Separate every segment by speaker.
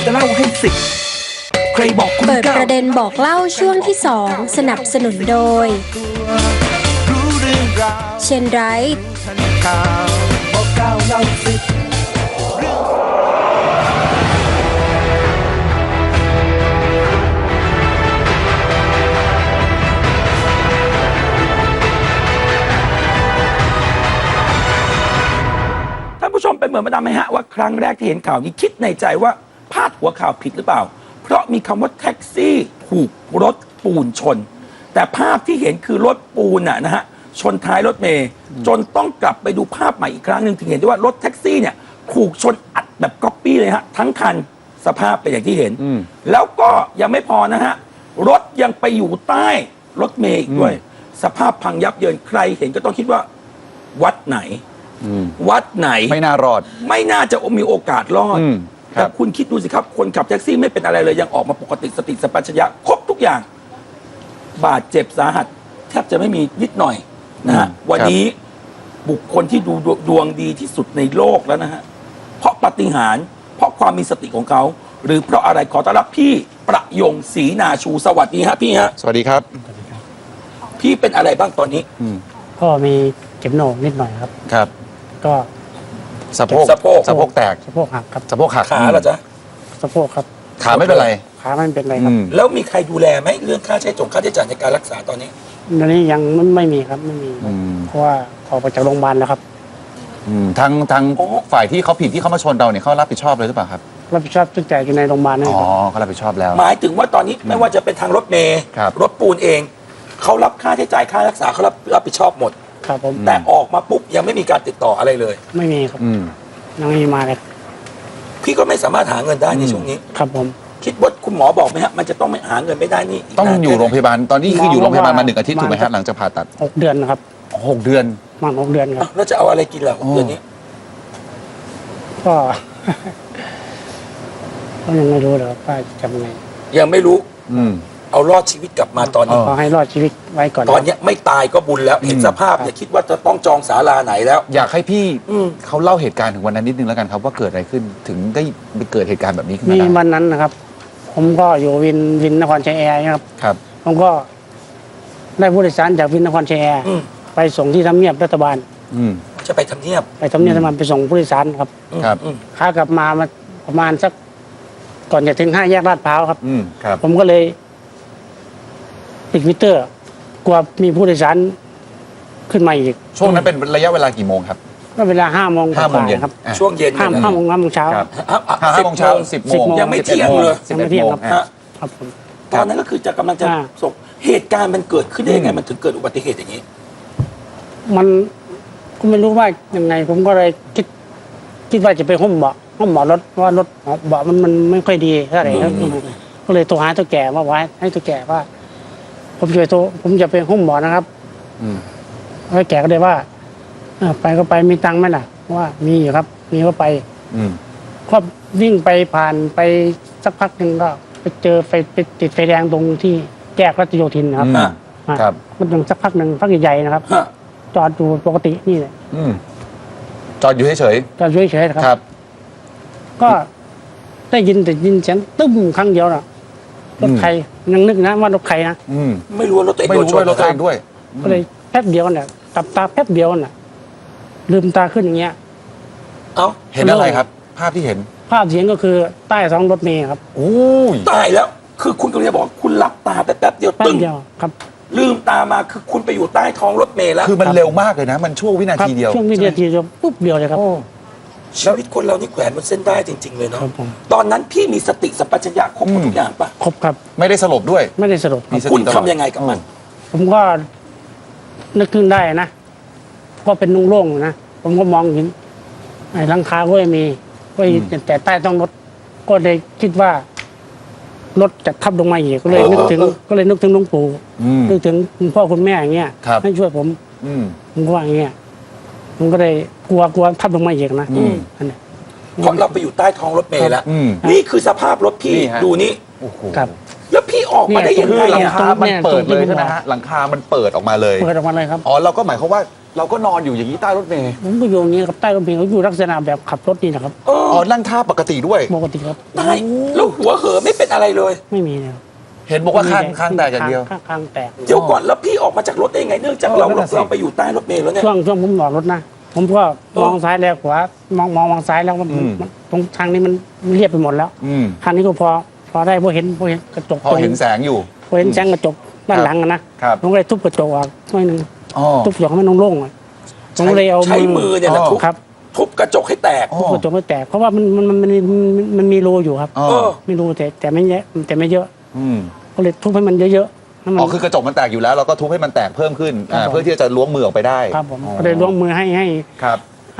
Speaker 1: จะเล่าให้สิบใครบอกคุณ
Speaker 2: เปิดประเด็นบอกเล่าช่วงที่ 2 สนับสนุนโดยเชนไรท์
Speaker 1: บอกเก้าเล่าสิบท่านผู้ชมเป็นเหมือนมาดามไหมฮะว่าครั้งแรกที่เห็นข่าวนี้คิดในใจว่าพาดหัวข่าวผิดหรือเปล่า เพราะมีคำว่าแท็กซี่ถูกรถปูนชน แต่ภาพที่เห็นคือรถปูนนะฮะชนท้ายรถเมย์จนต้องกลับไปดูภาพใหม่อีกครั้งหนึ่งถึงเห็นได้ว่ารถแท็กซี่เนี่ยถูกชนอัดแบบก๊อปปี้เลยฮะทั้งคันสภาพเป็นอย่างที่เห็น แล้วก็ยังไม่พอนะฮะรถยังไปอยู่ใต้รถเมย์อีกด้วย สภาพพังยับเยินใครเห็นก็ต้องคิดว่าวัดไหน วัดไหน
Speaker 3: ไม่น่ารอด
Speaker 1: ไม่น่าจะมีโอกาสรอด
Speaker 3: ครับ
Speaker 1: แต่คุณคิดดูสิครับ คนขับแท็กซี่ไม่เป็นอะไรเลย ยังออกมาปกติสติสัมปชัญญะครบทุกอย่าง บาดเจ็บสาหัส แทบจะไม่มีนิดหน่อยนะฮะวันนี้บุคคลที่ดูดวงดีที่สุดในโลกแล้วนะฮะเพราะปาฏิหาริย์เพราะความมีสติของเขา หรือเพราะอะไรขอต้อนรับพี่ประยงศรีนาชูสวัสดีฮะพี่ฮะ
Speaker 3: สวัสดีครับ
Speaker 1: พี่เป็นอะไรบ้างตอนนี้
Speaker 4: ก็มีเจ็บโหนกนิดหน่อยครับ
Speaker 3: ครับ
Speaker 4: ก็
Speaker 3: สะโพก
Speaker 1: สะโพก
Speaker 3: สะโพกแตก
Speaker 4: สะโพกหักครับ
Speaker 3: สะโพกหัก
Speaker 1: ขาเหรอจ๊ะ
Speaker 4: สะโพกครับ
Speaker 3: ขาไม่เป็นไร
Speaker 4: ขาไม่เป็นไรครับ
Speaker 1: แล้วมีใครดูแลไหมเรื่องค่าใช้จ่ายในการรักษาตอนนี้
Speaker 4: ตอนนี้ยังไม่มีครับไม่มี เพราะว่าออกมาจากโรงพยาบาลแล้วครับ
Speaker 3: ทางฝ่ายที่เขาผิดที่เขามาชนเราเนี่ยเขารับผิดชอบเลยหรือเปล่าครับ
Speaker 4: รับผิดชอบทุกจ่ายอยู่ในโรงพยาบาลนั่น
Speaker 3: อ๋
Speaker 4: เอ
Speaker 3: อง
Speaker 4: ครับ
Speaker 3: เขารับผิดชอบแล้ว
Speaker 1: หมายถึงว่าตอนนี้ไม่ว่าจะเป็นทางรถเมย์
Speaker 3: ครับ
Speaker 1: รถปูนเอง เขารับค่าใช้จ่ายค่ารักษาเขารับผิดชอบหมด
Speaker 4: ครับผม
Speaker 1: แต่ออกมาปุ๊บยังไม่มีการติดต่ออะไรเลย
Speaker 4: ไม่มีครับ
Speaker 3: อืม
Speaker 4: ยังไม่มีมาเลย
Speaker 1: พี่ก็ไม่สามารถหาเงินได้ในช่วงนี้
Speaker 4: ครับผม
Speaker 1: คิดว่าคุณหมอบอกไหมฮะมันจะต้องไม่หาเงินไม่ได้นี่ก
Speaker 3: ต้อง
Speaker 1: นาน
Speaker 3: อยู่
Speaker 1: แค่ไหน
Speaker 3: โรงพยาบาลตอนนี้คืออยู่โรงพยาบาลมา1 อาทิตย์
Speaker 4: ประมาณ
Speaker 3: ถูกไหมฮะหลังจากผ่าตัด
Speaker 4: 6 เดือนนะครับ
Speaker 3: 6 เดือน
Speaker 4: ประมาณ6 เดือนครับ
Speaker 1: แล้วจะเอาอะไรกินล่ะเดือนนี้
Speaker 4: ก็ ก็ยังไม่รู้เลยครับว่าจะทำไง
Speaker 1: ยังไม่รู้
Speaker 3: อืม
Speaker 1: เอารอดชีวิตกลับมาตอนนี้
Speaker 3: เออ
Speaker 4: ขอให้รอดชีวิตไว้ก่อน
Speaker 1: ตอนเนี้ยไม่ตายก็บุญแล้วเห็นสภาพเนี่ยคิดว่าจะต้องจองศาลาไหนแล้ว
Speaker 3: อยากให้พี่
Speaker 1: อืม
Speaker 3: เขาเล่าเหตุการณ์ถึงวันนั้นนิดนึงแล้วกันครับว่าเกิดอะไรขึ้นถึงได้ไปเกิดเหตุการณ์แบบนี้ขึ้น
Speaker 4: มี
Speaker 3: มาได้
Speaker 4: วันนั้นนะครับ ผมก็อยู่วินนครชัยแอร์ครับ
Speaker 3: ครับ
Speaker 4: ผมก็ได้ผู้โดยสารจากวินนครชัยแอร์
Speaker 1: อืม
Speaker 4: ไปส่งที่ทำเนียบรัฐบาล
Speaker 3: อืม
Speaker 1: จะไปทำเนียบ
Speaker 4: ไปทำเนียบรัฐบาลไปส่งผู้โดยสารครับ
Speaker 3: ครับ
Speaker 1: อืม
Speaker 4: ขากลับมาประมาณสักก่อนจะถึง5 แยกลาดพร้าวครับ
Speaker 3: อืมครับ
Speaker 4: ผมก็เลยปิดมิเตอร์ กลัวมีผู้โดยสารขึ้นมาอีก
Speaker 3: ช่วงนั้นเป็นระยะเวลากี่โมงครับ
Speaker 4: ก็เวลา5 โมง
Speaker 3: 5 โมงเย็น
Speaker 4: ครับ
Speaker 3: อ่ะ
Speaker 1: ช่วงเย็น
Speaker 4: ห้า
Speaker 1: เนี่ยนะ
Speaker 4: 5 โมง5 โมงเช้า
Speaker 3: ครับ
Speaker 1: 10
Speaker 3: 5 โมงเช้า 10 โมง
Speaker 1: ยังไม่เที่ยงเลย
Speaker 4: ยังไม่เที่ยงครับ
Speaker 3: ฮะ
Speaker 4: ครับผม
Speaker 1: ตอนนั้นก็คือจะกำลังจะ
Speaker 4: อ่า
Speaker 1: ส่งเหตุการณ์มันเกิดขึ้นได้ยังไงมันถึงเกิดอุบัติเหตุอย่างนี้
Speaker 4: มันก็ไม่รู้ว่ายังไง ผมก็เลยคิดว่าจะไปห้องเบาะรถเพราะว่ารถเบาะมันไม่ค่อยดีเท่าไหร่ครับก็เลยโทรหาตัวแก่ว่าไว้ให้ตัวแก่ว่า ผมจะไปห้องเบาะนะครับ
Speaker 3: อืม
Speaker 4: แล้วแก่ก็เลยว่าไปก็ไปมีตังค์ไหมล่ะว่ามีอยู่ครับ มีก็ไป
Speaker 3: อืม
Speaker 4: ก็วิ่งไปผ่านไปสักพักหนึ่งก็ไปเจอไปติดไฟแดงตรงที่แยกรัชโยธินนะครับ
Speaker 3: อืม
Speaker 4: อ่ะ
Speaker 3: ครับ
Speaker 4: มันถึงสักพักหนึ่งพักใหญ่ๆนะครับ
Speaker 1: ฮะ
Speaker 4: จอดอยู่ปกตินี่แหละ
Speaker 3: อืมจอดอยู่เฉย
Speaker 4: จอดเฉยๆนะค
Speaker 3: ๆ
Speaker 4: รับ
Speaker 3: ครับ
Speaker 4: ก็ได้ยินแต่ยินเสียงตึ้มครั้งเดียวน่ะรถใครยังนึกนะว่ารถใครนะ
Speaker 3: อืม
Speaker 1: ไม่รู้ว่ารถตัวเอง
Speaker 3: ไม่
Speaker 1: โดน
Speaker 3: รู้
Speaker 1: ช
Speaker 3: ว่าน รถตัวเองด้วย
Speaker 4: ก็เลยแป๊บเดียวน่ะตับตาแป๊บเดียวน่ะ ลืมตาขึ้นอย่างเงี้ย
Speaker 1: เอ้า
Speaker 3: เห็นอะไรครับ ภาพที่เห็น
Speaker 4: ภาพเสียงก็คือใต้ท้องรถเมล์ครับ
Speaker 3: โอ้ย
Speaker 1: ตายแล้ว คือคุณกำลังจะบอกว่าคุณหลับตาไปแป๊บเดียว
Speaker 4: แป๊บ
Speaker 1: ตึ้ง
Speaker 4: เดียวครับ
Speaker 1: ลืมตามาคือคุณไปอยู่ใต้ท้องรถเมล์แล้ว
Speaker 3: คือมันเร็วมากเลยนะ มันช่วงวินา
Speaker 4: ครับ
Speaker 3: ทีเดียว
Speaker 4: ช่วงวินาทีเดียวปุ๊บเดียวเลยครับ
Speaker 3: โอ้
Speaker 1: ชีวิตคนเรานี่แขวนบนเส้นได้จริง ๆ เลยเนาะ
Speaker 4: ครับผม
Speaker 1: ตอนนั้นพี่มีสติสัมปชัญญะครบหมดทุกอย่างปะ
Speaker 4: ครบครับ
Speaker 3: ไม่ได้สลบด้วย
Speaker 4: ไม่ได้สลบค
Speaker 3: มี
Speaker 4: รับ
Speaker 3: สติ
Speaker 1: คุณ
Speaker 3: ตลอด
Speaker 1: ทำยังไงกับมัน
Speaker 4: ผมก็นึกขึ้นได้นะก็เป็นนุ่งโล่งๆนะผมก็มองเห็นไอ้หลังคาก็ไม่มีก็แต่ใต้ท้องรถก็เลยคิดว่ารถจะทับลงมาอีกก็เลยนึกถึงหลวงปู่
Speaker 3: อืม
Speaker 4: นึกถึงคุณพ่อคุณแม่อย่างเงี้ย
Speaker 3: ครับ
Speaker 4: ให้ช่วยผม
Speaker 3: อืม
Speaker 4: ผมก็ว่าอย่างเงี้ยผมก็เลยกลัวทับลงมาอีกนะ
Speaker 3: อืม
Speaker 4: อันนี้
Speaker 1: เพราะเราไปอยู่ใต้ท้องรถเมล์แล้ว
Speaker 3: อืม
Speaker 1: นี่คือสภาพรถพี่
Speaker 3: นี่ฮะ
Speaker 1: ดูนี่
Speaker 3: โอ้โห
Speaker 4: ครับ
Speaker 1: แล้วพี่ออกมาได้ยัง
Speaker 3: คือ
Speaker 1: ไง
Speaker 3: หลัง
Speaker 1: อ่ะ
Speaker 3: คามันเปิดเลยใช่ไหมฮะหลังคามันเปิดออกมาเลย
Speaker 4: เปิดออกมาเลยครับ
Speaker 3: อ๋อเราก็หมายความว่าเราก็นอนอยู่อย่างนี้ใต้รถเมล์
Speaker 4: ผมก็อยู่อย่างนี้ครับใต้รถเมล์เขาอยู่ลักษณะแบบขับรถนี่นะครับ
Speaker 3: อ๋อนั่งท่าปกติด้วย
Speaker 4: ปกติครับ
Speaker 1: ตายแล้วหัวเหอะไม่เป็นอะไรเลย
Speaker 4: ไม่มีนะครับ
Speaker 3: เห็นบอกว่าข้างแตกอย่างเดียว
Speaker 4: ข้างแตก
Speaker 1: เดี๋ยวก่อนแล้วพี่ออกมาจากรถได้ยังไงเนื่องจากเรา
Speaker 3: นั่นน่ะสิ
Speaker 1: เราไปอยู่ใต้รถเมล์แล้วเนี่ย
Speaker 4: ช่วงผมหลอดรถนะผมก็มองซ้ายแลขวามองซ้ายแล้วมันตรงทางนี้มันเรียบไปหมดแล้ว
Speaker 3: อืม
Speaker 4: ทางนี้ก็พอได้พอเห็นกระจก
Speaker 3: พอเห็นแสงอยู่
Speaker 4: พอเห็นแสงกระจกด้านหลังอะนะครับ ผมก็เลยทุบกระจกออกหน่อยหนึง
Speaker 3: อ๋อ
Speaker 4: ทุบกระจกให้มันโล่งๆอะผมก็เลยเอา
Speaker 1: ใช้มือเนี่ยแหละทุบ
Speaker 4: ครับ
Speaker 1: ทุบกระจกให้แตก
Speaker 3: อ๋อ
Speaker 4: ทุบกระจกไม่แตกเพราะว่ามันมีรูอยู่ครับ
Speaker 3: อ๋อ
Speaker 1: เออ
Speaker 4: มีรูแต่ไม่เยอะแต่ไม่เยอะ
Speaker 3: อืม
Speaker 4: ก็เลยทุบให้มันเยอะๆให้มัน
Speaker 3: อ๋อคือกระจกมันแตกอยู่แล้วเราก็ทุบให้มันแตกเพิ่มขึ้น
Speaker 4: ครับผม
Speaker 3: เพื่อที่จะล้วงมือออกไปได้
Speaker 4: ครับผม
Speaker 3: อ๋อ
Speaker 4: ก็เลยล้วงมือให้
Speaker 3: ครับ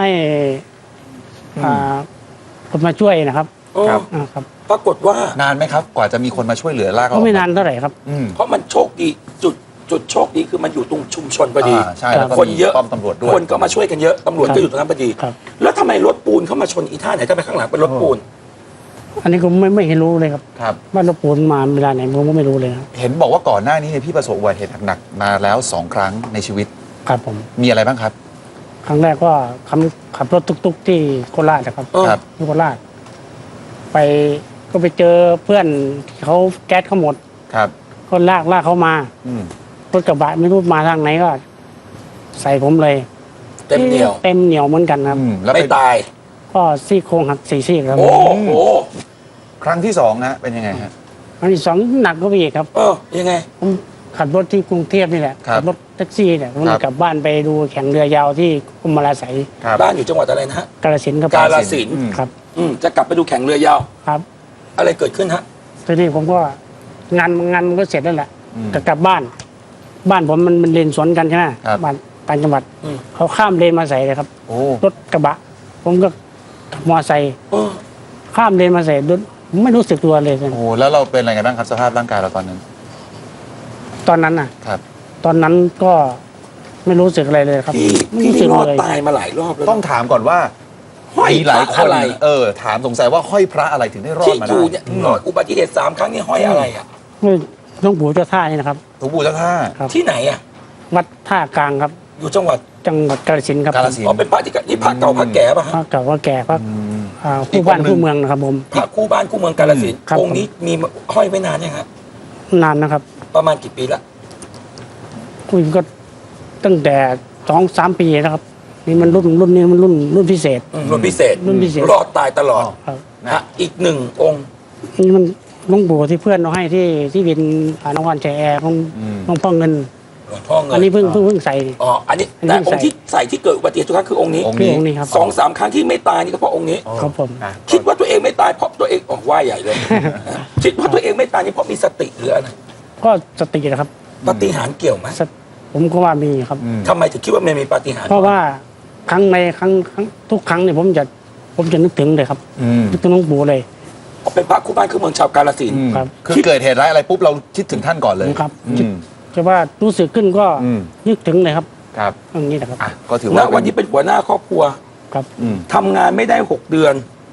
Speaker 4: อ่าคนมาช่วยนะครับ
Speaker 1: เออ
Speaker 3: ครับ
Speaker 4: ครับ
Speaker 1: ปรากฏว่า
Speaker 3: นานไหมครับ กว่าจะมีคนมาช่วยเหลือลากเรา
Speaker 4: ก็ไม่นานเท่าไหร่ครับ
Speaker 3: อืม
Speaker 1: เพราะมันโชคดีจุดโชคดีคือมันอยู่ตรงชุมชนพอดี
Speaker 3: ใช่แล้วก็
Speaker 1: คน
Speaker 3: มี
Speaker 1: เยอะ
Speaker 3: ป้อมตำรวจด้วย
Speaker 1: คนก็มาช่วยกันเยอะตำรวจ
Speaker 4: ครับ
Speaker 1: ก็อยู่ตรงนั้นพอดี
Speaker 4: ครับ
Speaker 1: แล้วทำไมรถปูนเข้ามาชนอีท่าไหนทำไมข้างหลังเป็นรถปูน
Speaker 4: อันนี้ก็ไม่เห็นรู้เลยครับ
Speaker 3: ครับ
Speaker 4: ว่ารถปูนมาเวลาไหนผมก็ไม่รู้เลยครับ
Speaker 3: เห็นบอกว่าก่อนหน้านี้เนี่ยพี่ประสบอุบัติเหตุหนักๆมาแล้ว2 ครั้งในชีวิต
Speaker 4: ครับผม
Speaker 3: มีอะไรบ้างครับ
Speaker 4: ครั้งแรกก็ขับรถตุกๆที่โคราชนะครับ
Speaker 1: เออ
Speaker 3: ครับ
Speaker 4: ที่โคราชก็ไปเจอเพื่อนที่เขาแก๊สเขาหมด
Speaker 3: ครับ
Speaker 4: ก็ลากเขามา
Speaker 3: อืม
Speaker 4: รถกระบะไม่รู้มาทางไหนก็ ใส่ผมเลย
Speaker 1: เต็มเหนียว
Speaker 4: เต็มเหนียวเหมือนกันครับ
Speaker 3: อืมแล้ว
Speaker 1: ไม่
Speaker 3: เป็น
Speaker 1: ตาย
Speaker 4: ก็ซี่โครงหัก4 ซี่ครับ
Speaker 1: โอ้โห
Speaker 3: ครั้งที่2นะเป็นยังไงฮะ
Speaker 4: อันที่สองหนักก็ไปอีกครับ
Speaker 1: เออยังไง
Speaker 4: ผมขับรถที่กรุงเทพนี่แหละ
Speaker 3: ครับ
Speaker 4: ขัรถแท็กซี่เนี่ยผม
Speaker 3: ครับ
Speaker 4: กลับบ้านไปดูแข่งเรือยาวที่กรมราไสย
Speaker 3: ครับ
Speaker 1: บ้านอยู่จังหวัดอะไรนะฮะ
Speaker 4: กาฬสินธุ์ครับ
Speaker 1: กาฬสินธุ์
Speaker 3: อืม
Speaker 4: ครับ
Speaker 1: จะกลับไปดูแข่งเรือยาว
Speaker 4: ครับ
Speaker 1: อะไรเกิดขึ้นฮะ
Speaker 4: ทีนี้ผมก็งานมันก็เสร็จแล้วแหละ
Speaker 3: อืม
Speaker 4: จะกลับบ้าน บ้านผมมันเลนสวนกันใช่ไหม
Speaker 3: ครับ
Speaker 4: บ้านต่างจังหวัด
Speaker 1: อืม
Speaker 4: เขาข้ามเลนมาใส่เลยครับ
Speaker 3: โอ้
Speaker 4: รถกระบะ ผมก็ขับมอไซค์
Speaker 1: เออ
Speaker 4: ข้ามเลนมาใส่รถไม่รู้สึกตัวเลย
Speaker 3: โหแล้วเราเป็นอะไรกันบ้างครับสภาพร่างกายเราตอนนั้น
Speaker 4: ตอนนั้นน่ะ
Speaker 3: ครับ
Speaker 4: ตอนนั้นก็ไม่รู้สึกอะไรเลยครับ
Speaker 1: พี่
Speaker 4: ไม่
Speaker 1: พี่
Speaker 4: รู้สึ
Speaker 1: นี่
Speaker 4: ก
Speaker 1: รอด
Speaker 4: เลย
Speaker 1: ตายมาหลายรอบแล้ว
Speaker 3: ต้องถามก่อนว่า
Speaker 1: ห้อย
Speaker 3: มีหลาย
Speaker 1: พ
Speaker 3: ค
Speaker 1: ระ
Speaker 3: น
Speaker 1: อะไร
Speaker 3: ถามสงสัยว่าห้อยพระอะไรถึงได้รอด
Speaker 1: ที่
Speaker 3: มา
Speaker 1: อ
Speaker 3: ได้
Speaker 1: ยู่เนี่ยรอดอุบัติเหตุ3 ครั้งนี่ห้อยอะไรอ่ะ
Speaker 4: หลวงปู่เจ้าท่านี่นะครับ
Speaker 3: หลวงปู่เจ้าท่า
Speaker 4: ครับ
Speaker 1: ที่ไหนอ่ะ
Speaker 4: วัดท่ากลางครับ
Speaker 1: อยู่จังหวัด
Speaker 4: จังหวัดกาฬสินธุ์ครับ
Speaker 3: กาฬสิน
Speaker 1: อ๋อเป็นพระที่นี่พระเก่าพระแก่ป่ะ
Speaker 4: พ
Speaker 1: ฮะ
Speaker 4: ระเก่าพระแก่พระ
Speaker 3: อืม
Speaker 4: คู่บ้านคู่เมืองนะครับผม
Speaker 1: พระคู่บ้านคู่เมืองกาฬสินธุ์
Speaker 4: ครับ
Speaker 1: องค์นี้มีห้อยไว้นานยังฮะ
Speaker 4: นานนะครับ
Speaker 1: ประมาณกี่ปีละ
Speaker 4: คุยก็ตั้งแต่2-3 ปีนะครับ นี่มันรุ่นนี้มันรุ่นพิเศษ
Speaker 1: รุ่นพิเศษ
Speaker 4: รุ่นพิเศษ
Speaker 1: รอดตายตลอด
Speaker 4: ครับ
Speaker 1: ฮะอีก1 องค์
Speaker 4: นี่มันหลวงปู่ที่เพื่อนเราให้ที่วินนครชัยแอร์ของหลวงพ่อเงิน
Speaker 1: หลวงพ่อเงิ
Speaker 4: อันนี้เพิ่งใส่
Speaker 1: อ๋ออันนี้
Speaker 4: อันนี้
Speaker 1: แต่องค์ที่ใส่ที่เกิดอุบัติเหตุทุกครั้งคือองค์นี้
Speaker 3: องค์
Speaker 4: คือองค์นี้ครับ
Speaker 1: 2-3 ครั้งที่ไม่ตายนี่ก็เพราะองค์นี้
Speaker 4: ครับผม
Speaker 3: นะ
Speaker 1: คิดว่าตัวเองไม่ตายเพราะตัวเองออกว่าใหญ่เลย คิดว่าตัวเองไม่ตายนี่เพราะมีสติหรืออะไร
Speaker 4: ก็สตินะครับ
Speaker 1: ปาฏิหาริย์เกี่ยวไหม
Speaker 4: ผมก็ว่ามีครับ
Speaker 3: อืม
Speaker 1: ทำไมถึงคิดว่ามันมีปาฏิหาริย์
Speaker 4: เพราะว่าครั้งทุกครั้งเนี่ยผมจะนึกถึงเลยครับ
Speaker 3: อืม
Speaker 4: นึกถึงหลวงปู่เลย
Speaker 1: เป็นพระคู่บ้านคู่เมืองชาวกาฬสินธุ์
Speaker 4: ครับ
Speaker 3: คือเกิดเหตุร้ายอะไรปุ๊บเราคิดถึงท่านก่อนเลย
Speaker 4: ครับ
Speaker 3: อืม
Speaker 4: จะว่ารู้สึกขึ้นก็
Speaker 3: อืม
Speaker 4: นึกถึงเลยครับ
Speaker 3: ครับ
Speaker 4: อย่างนี้นะครับ
Speaker 3: อ่ะก็ถือ
Speaker 1: ณ
Speaker 3: ว่า
Speaker 1: วันนี้เป็นหัวหน้าครอบครัว
Speaker 4: ครับ
Speaker 3: อืม
Speaker 1: ทำงานไม่ได้ 6 เดือน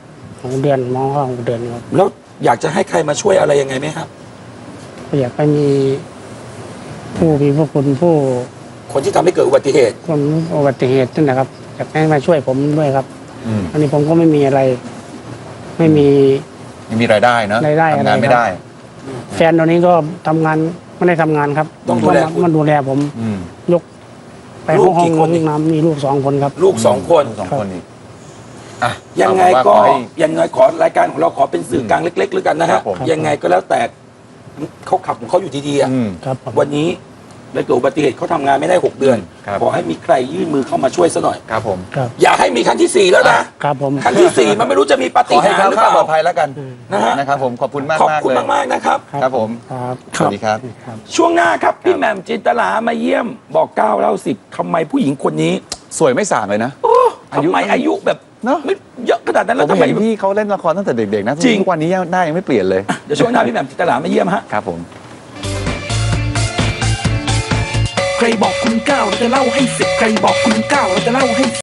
Speaker 4: 6 เดือนมองว่า6 เดือนครับ
Speaker 1: แล้วอยากจะให้ใครมาช่วยอะไรยังไงไหมครับ
Speaker 4: ก็อยากให้มีผู้มีพระคุณผู้
Speaker 1: คนที่ทำให้เกิดอุบัติเหตุ
Speaker 4: คนอุบัติเหตุนั่นนะครับอยากให้มาช่วยผมด้วยครับ
Speaker 3: อืม
Speaker 4: อันนี้ผมก็ไม่มีอะไร ไม่มี
Speaker 3: ยังมีรายได้เนอะ
Speaker 4: รายได้
Speaker 3: ทำงาน
Speaker 4: อะไร
Speaker 3: ไม่ได้
Speaker 4: แฟนตอนนี้ก็ทำงานไม่ได้ทำงานครับ
Speaker 1: ต้องดูแลคุณ
Speaker 4: มันดูแลผม
Speaker 3: อืม
Speaker 4: ยกไป
Speaker 1: ลู
Speaker 4: ห้
Speaker 1: ก
Speaker 4: อง
Speaker 1: กี่
Speaker 4: ห้
Speaker 1: ค
Speaker 4: อน ง
Speaker 1: อีก
Speaker 4: น้ำมีลูก2 คนครับ
Speaker 1: ลูก 2 คน
Speaker 3: ลูกสองคนอีกอ่ะ
Speaker 1: ยังไง
Speaker 3: เอา
Speaker 1: ก็
Speaker 3: เป็นว่าขอให้
Speaker 1: ยังไงขอรายการของเราขอเป็นสื่อกลางเล็กๆแล้วกันนะ
Speaker 3: ครั
Speaker 1: ฮะ
Speaker 3: บผม
Speaker 1: ยังไงก็แล้วแต่เขาขับของเขาอยู่ดีๆอะ
Speaker 3: อืม
Speaker 4: ครับผม
Speaker 1: วันนี้เลยเกิดอุบัติเหตุเขาทำงานไม่ได้ 6 เดือน
Speaker 3: ครับ
Speaker 1: ขอให้มีใครยื่นมือเข้ามาช่วยซะหน่อย
Speaker 3: ครับผม
Speaker 4: ครับ
Speaker 1: อย่าให้มีครั้งที่ 4 แล้วนะครับ
Speaker 4: ผม
Speaker 1: ครั้งที่ 4 มันไม่รู้จะมีปา
Speaker 3: ข
Speaker 1: ฏิ
Speaker 3: อให้
Speaker 1: หา
Speaker 3: แค
Speaker 1: ริ
Speaker 3: ล้ว
Speaker 1: ย์หรือเปล่า
Speaker 3: คลาดปลอดภัยแล้วกัน
Speaker 1: นะฮะ
Speaker 3: นะครับผมขอบคุณมาก
Speaker 1: ขอบ
Speaker 3: มาก
Speaker 1: คุณ
Speaker 3: เลย
Speaker 1: มากๆนะครับ
Speaker 3: ครับผม
Speaker 4: ครับ
Speaker 3: สวัสดีครับ
Speaker 4: ครับ
Speaker 1: ช่วงหน้าครับพี่แหม่มจินตลามาเยี่ยมบอก9เล่า10ทำไมผู้หญิงคนนี้
Speaker 3: สวยไม่ส่างเลยนะ
Speaker 1: โอ้
Speaker 3: อายุ
Speaker 1: ทำไมอายุแบบ
Speaker 3: เนอะ
Speaker 1: ไม่เยอะขนาดนั้น
Speaker 3: ผ
Speaker 1: แล้ว
Speaker 3: ม
Speaker 1: ทำไม
Speaker 3: เห็นพี่เขาเล่นละครตั้งแต่เด็กๆนะ
Speaker 1: จริง
Speaker 3: ทุกวันนี้หน้ายังไม่เปลี่ยนเลย
Speaker 1: เดี๋ยวช่วงหน้าพี่แหม่มจินตลามาเยี่ยมฮะ
Speaker 3: ครับผม
Speaker 5: ใครบอกคุณเก้าเราจะเล่าให้สิบใครบอกคุณเก้าเราจะเล่าให้